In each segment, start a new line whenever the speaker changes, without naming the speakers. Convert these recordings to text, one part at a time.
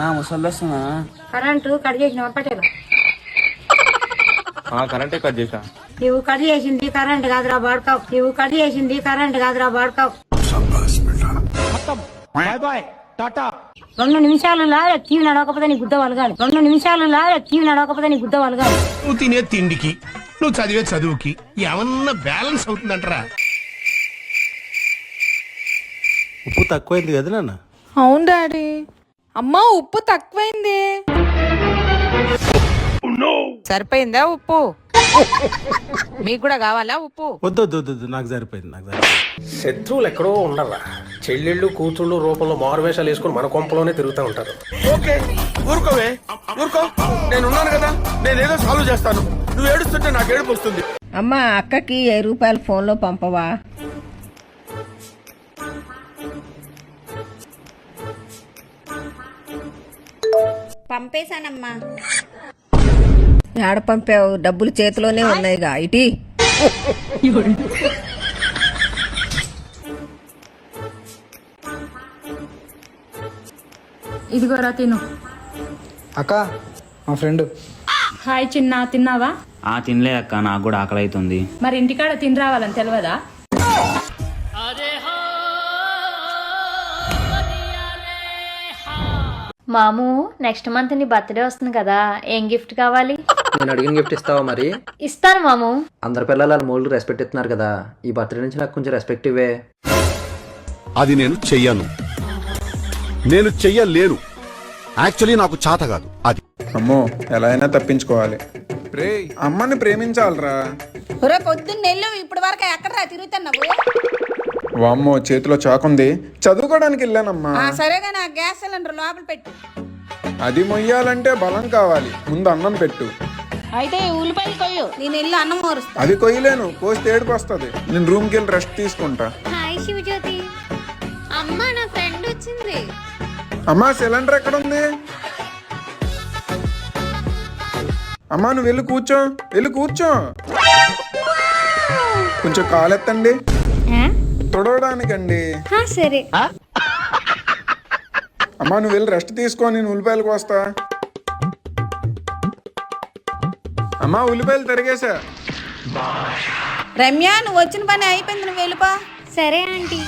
నా ముసలి వస్తున్నా
కరెంటు కట్ చేసిన పట్టేలా
కరెంటే కట్ చేసా.
నువ్వు కట్ చేసింది కరెంట్ కాదురా బాడుకావు. నువ్వు కట్ చేసింది కరెంట్ కాదురా బాడుకావు. 2 నిమిషాలు లాగా టీవీ నడవకపోతే నీ గుద్ద వలగాలి. 2 నిమిషాలు లాగా టీవీ నడవకపోతే నీ గుద్ద వలగాలి.
నువ్వు తినే తిండికి నువ్వు చదివే చదువుకి ఏమన్నా బ్యాలెన్స్ అవుతుందంటరా?
ఉప్పు తక్కువైంది కదా నాన్న.
అవును డాడీ. అమ్మా ఉప్పు తక్కువైంది. సరిపోయిందా ఉప్పు? మీకు కూడా కావాలా ఉప్పు?
వద్దు వద్దు వద్దు, నాకు సరిపోయింది.
శత్రువులు ఎక్కడో ఉండరా, చెల్లెళ్ళు కూతుళ్ళు రూపంలో మారువేషాలు వేసుకుని మన కొంపలోనే తిరుగుతూ ఉంటారు.
ఓకే ఊరుకోవే, ఊరుకో, నేను ఉన్నాను కదా, నేనేదో సాల్వ్ చేస్తాను. నువ్వు ఏడుస్తుంటే నాకు ఏడుపు వస్తుంది.
అమ్మా అక్కకి 1000 రూపాయలు ఫోన్లో పంపవా?
పంపేశానమ్మా.
ఏడ పంపావు? డబ్బులు చేతిలోనే ఉన్నాయిగా. ఇటీ
ఇదిగోరా తిను.
అక్క మా ఫ్రెండ్.
హాయ్ చిన్న, తిన్నావా?
తినలే అక్క, నాకు కూడా ఆకలి అవుతుంది.
మరి ఇంటికాడ తిని రావాలని తెలియదా?
మాము నెక్స్ట్ మంత్ నీ బర్త్డే వస్తుంది కదా, ఏం గిఫ్ట్ కావాలి?
నేను అడిగిన గిఫ్ట్ ఇస్తావా? మరి
ఇస్తాను మాము.
అందరి పిల్లలు వాళ్ళ మూడు రెస్పెక్ట్ ఇస్తున్నారు కదా, ఈ బర్త్డే నుంచి నాకు కొంచెం రెస్పెక్ట్ ఇవ్వే.
అది నేను చెయ్యను, నేను చెయ్యలేను. యాక్చువల్లీ నాకు చేత కాదు అది.
అమ్మో ఎలా అయినా తప్పించుకోవాలి. అమ్మని ప్రేమించాలరా.
పొద్దున్న నెల్లు ఇప్పటి వరకు ఎక్కడరా తిరుగుతున్నావు?
వామ్మో చేతిలో చాకుంది, చదువుకోవడానికి వెళ్ళానమ్మా.
సరేగా నా గ్యాస్ సిలిండర్ లోపల పెట్టు.
అది మొయ్యాలంటే బలం కావాలి, ముందు అన్నం పెట్టు.
అయితే ఉల్లిపాయలు కొయ్యు, నేను వెళ్ళి అన్నం మోరుస్తా.
అది కొయ్యలేను, కోస్తే ఏడుపు వస్తుంది. నేను రూమ్కి వెళ్ళి రెస్ట్ తీసుకుంటా.
హాయ్ శివజ్యోతి. అమ్మా నా ఫ్రెండ్ వచ్చింది.
అమ్మా సిలిండర్ ఎక్కడ ఉంది? అమ్మా నువ్వు వెళ్ళి కూర్చో, వెళ్ళి కూర్చో. కొంచెం కాలెత్తండి, తుడవడానికండి.
సరే.
అమ్మా నువ్వు వెళ్ళి రెస్ట్ తీసుకో, నేను ఉల్లిపాయలకు వస్తా. అమ్మా ఉల్లిపాయలు తరిగేసా.
రమ్య నువ్వు వచ్చిన పని అయిపోయింది, నువ్వు వెళ్ళిపో.
సరే ఆంటీ.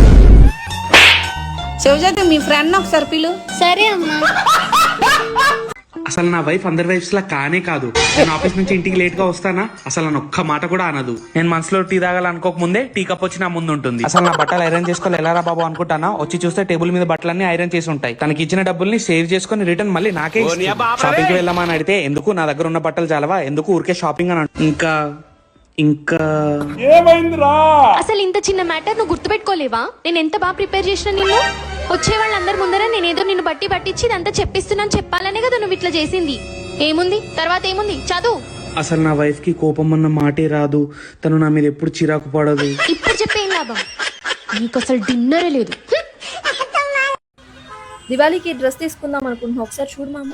శివజ్యోతి మీ ఫ్రెండ్ ఒకసారి పిలు.
సరే అమ్మా.
అసలు నా వైఫ్ అందరి వైఫ్స్ లా కానే కాదు. నేను ఆఫీస్ నుంచి ఇంటికి లేట్ గా వస్తానా, అసలు నన్ను ఒక్క మాట కూడా అనదు. నేను మనసులో టీ తాగాలనుకోక ముందే టీ కప్ వచ్చి నా ముందు ఉంటుంది. అసలు నా బట్టలు ఐరన్ చేసుకోవాలి ఎలారా బాబు అనుకుంటానా, వచ్చి చూస్తే టేబుల్ మీద బట్టలన్నీ ఐరన్ చేసి ఉంటాయి. తనకి ఇచ్చిన డబ్బుల్ని సేవ్ చేసుకుని రిటర్న్ మళ్ళీ నాకే షాపింగ్ కి వెళ్ళామని అడిగితే ఎందుకు, నా దగ్గర ఉన్న బట్టలు చాలవా, ఎందుకు ఊరికే షాపింగ్ అని ఇంకా ఇంకా
ఏమైందిరా?
అసలు ఇంత చిన్న మ్యాటర్ నువ్వు గుర్తుపెట్టుకోలేవా? నేను ఎంత బాగా ప్రిపేర్ చేసిన నిన్ను. వచ్చే వాళ్ళందరి ముందర నేనేదో నిన్ను పట్టించి ఇదంతా చెప్పిస్తున్నాను చెప్పాలనే కదా నువ్వు ఇట్లా చేసింది. ఏముంది తర్వాత ఏముంది, చదువు.
అసలు నా వైఫ్ కి కోపం అన్న మాటే రాదు, తను నా మీద ఎప్పుడు చిరాకు పడదు.
ఇప్పుడు చెప్పేం లాభం, నీకు అసలు డిన్నరే లేదు.
దివాళీకి డ్రెస్ తీసుకుందాం అనుకుంటున్నా, ఒకసారి చూడు మామ.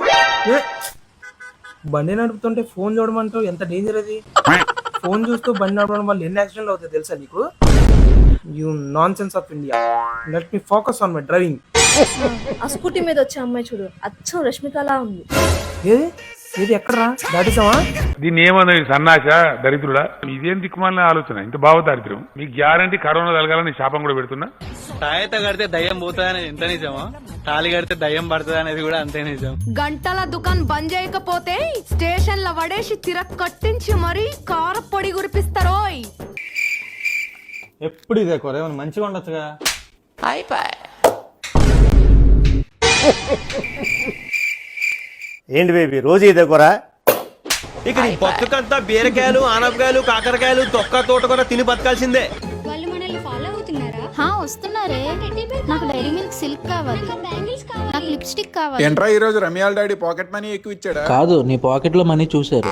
బండి నడుపుతుంటే ఫోన్ చూడమంటావు, ఎంత డేంజర్ అది. ఫోన్ చూస్తూ బండి నడపడం వల్ల ఎన్ని యాక్సిడెంట్లు అవుతాయి తెలుసా నీకు? You nonsense of India. Let me focus on my driving.
ఆ స్కూటీ మీద వచ్చే అమ్మాయి చూడు, అచ్చం రష్మికలా ఉంది.
ఏది ఏది ఎక్కడరా దాటిసావా?
దీన్ని ఏమన్నా సన్నాస దరిద్రుడా, ఇదేం దిక్కుమాలిన ఆలోచన, ఇంత బావ దారిద్ర్యం. మీ గ్యారంటీ కరోనా తలగాలని శాపం కూడా పెడుతున్నా.
తాయత కడితే దయ్యం పోతుందనేది ఎంత నిజమా, తాళి కడితే దయ్యం పడుతుంది అనేది కూడా అంతే నిజం.
గంటల దుకాణం బంద్ చేయకపోతే స్టేషన్ లో పడేసి కట్టించి మరీ కార పొడి కురిపిస్తారోయ్.
ఎప్పుడు ఇదే కూర, మంచిగా ఉండొచ్చుగా.
ఏంటి బేబీ రోజు ఇదే కూర?
ఇక నీ బతుకంతా బీరకాయలు, ఆనపకాయలు, కాకరకాయలు, తొక్క తోట కూడా తిని బతకాల్సిందే.
వాళ్ళు మనల్ని ఫాలో అవుతున్నారా? వస్తున్నారే. నాకు డైరీ మిల్క్ సిల్క్ కావాలి, నాకు లిప్స్టిక్ కావాలి.
ఏంట్రా ఈ రోజు రమ్యాల డాడీ పాకెట్ మనీ ఎక్కువ ఇచ్చాడా?
కాదు, నీ పాకెట్ లో మనీ చూసారు.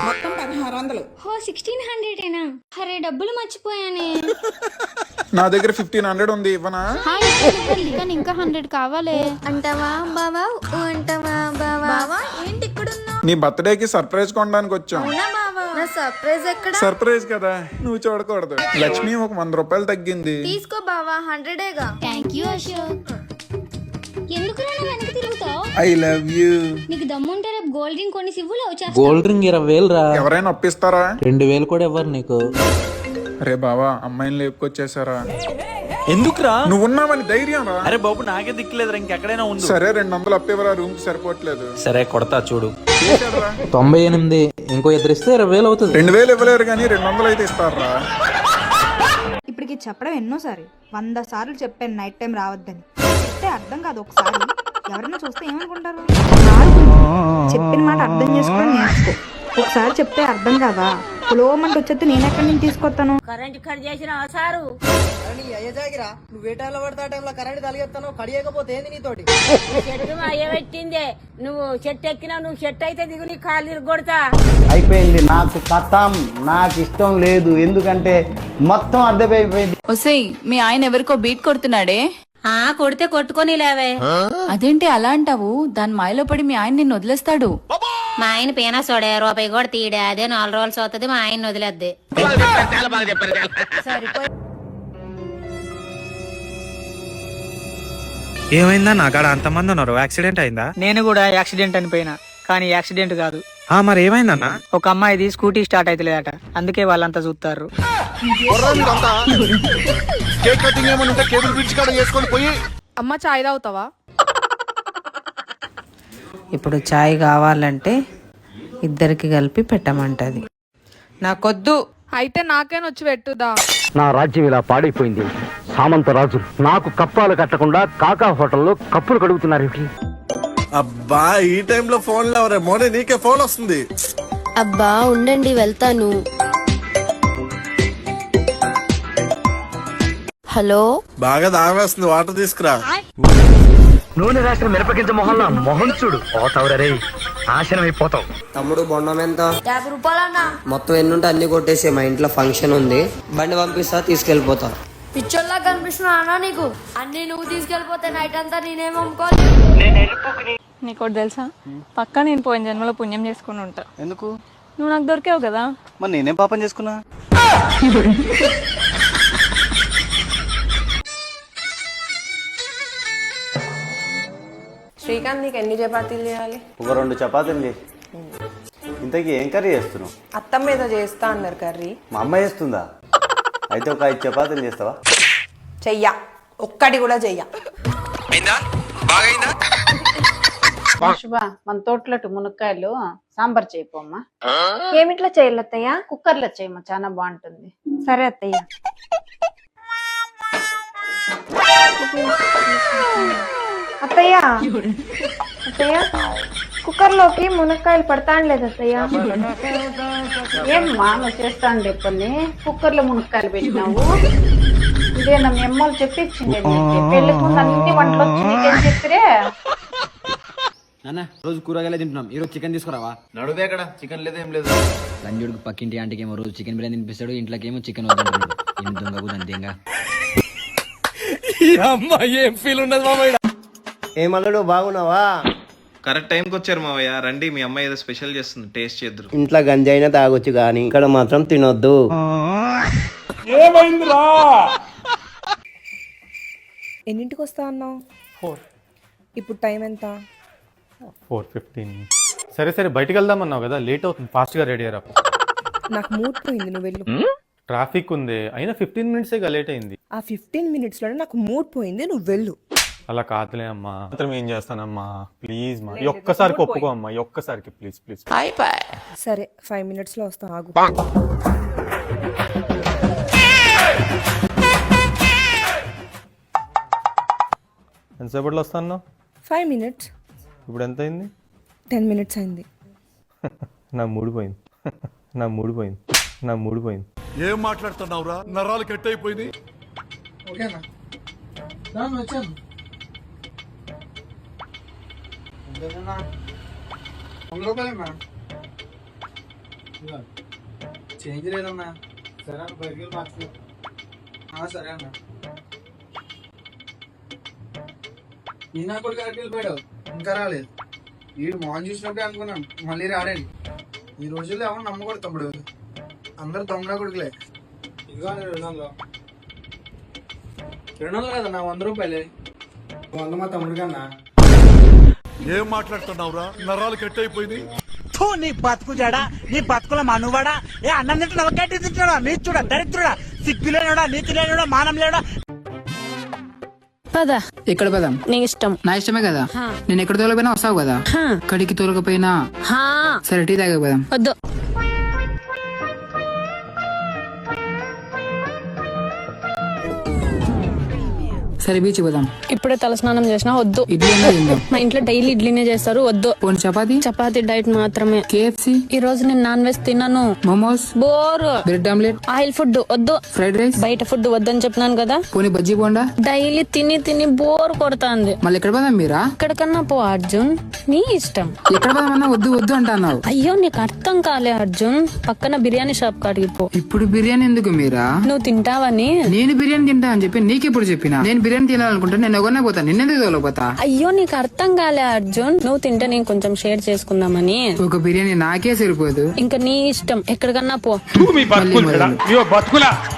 1600 అరే డబ్బులు మర్చిపోయానే.
నా దగ్గర 1500 ఉంది, ఇవ్వనా?
కానీ ఇంకా 100 కావాలి. అంటావా బావా? అంటావా బావా? ఏంటి ఇక్కడ ఉన్నావు?
నీ బర్త్డేకి సర్ప్రైజ్ కొనడానికి వచ్చాం.
సర్ప్రైజ్ ఎక్కడ?
సర్ప్రైజ్ కదా, నువ్వు చూడకూడదు. లక్ష్మి ఒక 100 రూపాయలు తగ్గింది.
తీసుకో బావా, 100ఏగా. Thank you Ashok. ఎందుకు వెనక్కి తిరుగుతావు?
I love you.
నీకు దమ్ముంటే రేపు గోల్డ్ రింగ్ కొని సివ్వులో
గోల్డ్ రింగ్ 20,000 రా.
ఎవరైనా అప్పిస్తారా?
2,000 కూడా ఇవ్వరు నీకు.
అరే బావా, అమ్మాయిని లేపుకొచ్చేసారా?
ఎందుకురా?
నువ్వు ఉన్నావని ధైర్యం రా.
అరే బాబు, నాకే దిక్కులేదురా, ఇంకెక్కడైనా ఉండు.
సరే 200 అప్పివరా, రూమ్ కి సరిపోవట్లేదు.
సరే కొడతా చూడు. 98 ఇంకో ఎదురిస్తే 20,000 అవుతుంది.
2,000 ఇవ్వలేరు కానీ 200 అయితే ఇస్తారా?
ఇప్పటికి చెప్పడం ఎన్నోసారి 100 సార్లు చెప్పాను నైట్ టైం రావద్దని. చెప్తే అర్థం కాదు. ఒకసారి ఎవరైనా చూస్తే ఏమనుకుంటారు? చెప్పిన మాట అర్థం చేసుకొని నేర్చుకో. ఒకసారి చెప్తే అర్థం కాదా? పులోమంటే వచ్చేస్తే నేను ఎక్కడి నుంచి తీసుకొస్తాను?
కరెంట్ కట్ చేసిన సారు
నువ్వు ఏ టైంలో పడితే ఆ టైంలో కరెంట్ కలిగేస్తాను. కడియకపోతే ఏంది నీతోటి?
చెట్టు అయ్యబెట్టిందే. నువ్వు చెట్టు ఎక్కినా, నువ్వు చెట్టు అయితే దిగు, నీ కాళ్ళు కొడతా.
అయిపోయింది నాకు కథం. నాకు ఇష్టం లేదు, ఎందుకంటే మొత్తం అర్థమైపోయింది.
ఒసేయ్, మీ ఆయన ఎవరికో బీట్ కొడుతున్నాడే.
కొడితే కొట్టుకొని లేవే.
అదేంటి అలా అంటావు? దాని మాయలో పడి మీ ఆయన నిన్ను వదిలేస్తాడు.
మా ఆయన పీనా సోడే రూపాయి కూడా తీయడే. అదే 4 రోజులు అవుతుంది, మా ఆయన వదిలేద్ది.
ఏమైందా? నాకాడ అంతమంది ఉన్నారు, యాక్సిడెంట్ అయిందా?
నేను కూడా యాక్సిడెంట్ అనిపోయినా, కానీ యాక్సిడెంట్ కాదు.
మరి ఏమైందన్నా?
ఒక అమ్మాయిది స్కూటీ స్టార్ట్ అవుతలేదట, అందుకే వాళ్ళంతా చూస్తారు.
అమ్మ చాయ్ తాగుతావా?
ఇప్పుడు చాయ్ కావాలంటే ఇద్దరికి కలిపి పెట్టమంటది. నాకొద్దు.
అయితే నాకేనా వచ్చి పెట్టుదా?
నా రాజ్యం ఇలా పాడైపోయింది. సామంత రాజు నాకు కప్పాలు కట్టకుండా కాకా హోటల్లో కప్పులు కడుగుతున్నారు.
అబ్బా, ఈ టైంలో ఫోన్ లేవరే మోనే, నీకే ఫోన్ వస్తుంది.
అబ్బా ఉండండి, వెళ్తాను. హలో,
బాగా దావేస్తుంది, వాటర్ తీసుకురా.
నూనె రాసిన మిరపగింజ మొహంలో మొహం చూడు. పోతావురే, నాశనం అయిపోతావు.
తమ్ముడు బొండం ఎంత?
50 రూపాయలన్నా.
మొత్తం ఎన్నుంటే అన్ని కొట్టేసి, మా ఇంట్లో ఫంక్షన్ ఉంది, బండి పంపిస్తా, తీసుకెళ్ళిపోతా.
పిచ్చోళ్ళ కనిపిస్తున్నా అన్న నీకు? అన్ని నువ్వు తీసుకెళ్ళిపోతే నైట్ అంతా నేనేం అమ్ముకోవాలి?
నీకోటి తెలుసా? పక్కా నేను పోయిన జన్మలో పుణ్యం చేసుకుని ఉంటా.
ఎందుకు?
నువ్వు నాకు దొరికావు కదా.
మరి నేనేం పాపం చేసుకున్నా?
శ్రీకాంత్, నీకు ఎన్ని చపాతీలు చేయాలి?
ఒక 2 చపాతీలు చేసి. ఇంతకీ ఏం కర్రీ చేస్తున్నావు?
అత్తమ్మ ఏదో చేస్తా అన్నారు కర్రీ.
మా అమ్మ చేస్తుందా? అయితే ఒక 5 చపాతీలు చేస్తావా?
చెయ్యా, ఒక్కటి కూడా చెయ్యా.
శుభ, మన తోటలట్టు మునక్కాయలు సాంబార్ చేయపోమ్మా.
ఏమిట్లా చేయలత్తయ్యా?
కుక్కర్లో చేయమ్మా, చాలా బాగుంటుంది.
సరే అత్తయ్య. అత్తయ్య, అత్తయ్య, కుక్కర్లోకి మునక్కాయలు పడతాండలేదు అత్తయ్య.
ఏమ్మా నువ్వు చేస్తాను కొన్ని కుక్కర్లో మునక్కాయలు పెట్టినావు? ఇదే నా అమ్మలు చెప్పించింది. పెళ్లికి ముందు అన్ని వంటలు వచ్చి నీకేం చెప్పిరే?
రోజు కూరగాయలే తింటున్నాం, ఈరోజు చికెన్ తీసుకురావా?
నడుదే అక్కడ చికెన్ లేదేం లేదు.
లంజుడికి పక్కింటి ఆంటీకి ఏమో రోజు చికెన్ బిర్యానీ తినిపిస్తాడు, ఇంట్లోకేమో చికెన్ వద్దంటాడు. ఏం దొంగకు దంతేగా.
ఏమన్నాడు? బాగున్నావా?
కరెక్ట్ టైంకి వచ్చారు మావయ్య. రండి, మీ అమ్మాయి ఏదో స్పెషల్ చేస్తుంది, టేస్ట్ చేద్దరు.
ఇంట్లో గంజైనా తాగొచ్చు కానీ ఇక్కడ మాత్రం తినొద్దు.
ఎన్నింటికి వస్తా అన్నావు? 4. ఇప్పుడు టైం ఎంత?
4:15. సరే సరే, బయటికి వెళ్దామన్నావు కదా, లేట్ అవుతుంది, ఫాస్ట్ గా రెడీ అయ్యారా.
నాకు మూడ్ పోయింది, నువ్వు వెళ్ళు.
ట్రాఫిక్ ఉంది, అయినా 15 మినిట్స్ లేట్ అయింది.
ఆ 15 minutes లోనే నాకు మూడ్ పోయింది, నువ్వు వెళ్ళు.
అలా కాదులే అమ్మా, మాత్రం ఏం చేస్తానమ్మా, ప్లీజ్ మా ఈ ఒక్కసారికి ఒప్పుకో అమ్మా, ఈ ఒక్కసారికి ప్లీజ్ ప్లీజ్.
సరే, 5 minutes లో వస్తా, ఆగు.
ఎంతసేపట్లో వస్తాను?
5 minutes.
ఇప్పుడు ఎంత అయింది?
10 minutes అయింది.
నా మూడు పోయింది, నా మూడు పోయింది, నా మూడు పోయింది.
ఏం మాట్లాడుతున్నావురా? నరాలు కట్ అయిపోయింది.
ఓకేనా? వచ్చాను. రూపాయలేనా? చేంజ్ లేదన్నా. సరే అన్న, 5 వేలు మార్చుకో. సరే అన్న. ఈయన కూడా కరెక్ట్ వెళ్ళిపోయాడు, ఇంకా రాలేదు. వీడు మోహన్ చూసినప్పుడే అనుకున్నాం మళ్ళీ రాడని. ఈ రోజుల్లో ఎవరు నమ్మకూడదు తమ్ముడు, అందరు దొంగ కొడుకులే. ఇదిగో 200 200 కదా నా 100 రూపాయలే. వంద మా తమ్ముడు కన్నా.
ఏం మాట్లాడుతున్నావురా? నరాలు కట్ అయిపోయింది.
నీ బతుకు జడా, నీ బతుకుల మనువాడా, ఏ అన్నం తింటున్నా ఒకటి తింటున్నా, నీ చూడ దరిద్రుడా, సిగ్గు లేనుడా, నీతి లేనుడా, మానం లేడా.
పదా
ఎక్కడ పదాం?
నీ ఇష్టం.
నా ఇష్టమే కదా. నేను ఎక్కడ తోలకపోయినా వస్తావు కదా. కడికి తోలకపోయినా సరే టీ తాగే పదాం.
వద్దు.
సరే బీచ్ పోదాం.
ఇప్పుడే తలస్నానం చేసినా వద్దు.
ఇడ్లీ అన్నా తిందాం.
మా ఇంట్లో డైలీ ఇడ్లీనే చేస్తారు, వద్దు.
పోనీ చపాతీ?
చపాతీ డైట్ మాత్రమే.
KFC?
ఈ రోజు నేను నాన్ వెజ్ తిన్నాను.
Momos?
Bore.
Bread omelette?
Oil food వద్దు.
Fried rice?
బయట ఫుడ్ వద్దని చెప్పినాను కదా.
పోనీ బజ్జీ బోండా?
డైలీ తిని తిని బోర్ కొడుతుంది.
మళ్ళీ ఎక్కడ పోదాం మీరా?
ఎక్కడికన్నా పో అర్జున్, నీ ఇష్టం.
ఎక్కడ పోదామన్నా వద్దు వద్దు అంటున్నావు.
అయ్యో నీకు అర్థం కాలే అర్జున్, పక్కన బిర్యానీ షాప్ కాడికి పో.
ఇప్పుడు బిర్యానీ ఎందుకు మీరా?
నువ్వు తింటావని.
నేను బిర్యానీ తింటా అని చెప్పి నీకెప్పుడు చెప్పినా? నేను బిర్యానీ తినాలనుకుంటే నేను ఒకనే పోతా, నిన్నెందుకు తోలపోతా?
అయ్యో నీకు అర్థం కాలే అర్జున్, నువ్వు తింటే నేను కొంచెం షేర్ చేసుకుందామని.
ఒక బిర్యానీ నాకే సరిపోదు.
ఇంకా నీ ఇష్టం, ఎక్కడికన్నా పో.
మీ బతుకులు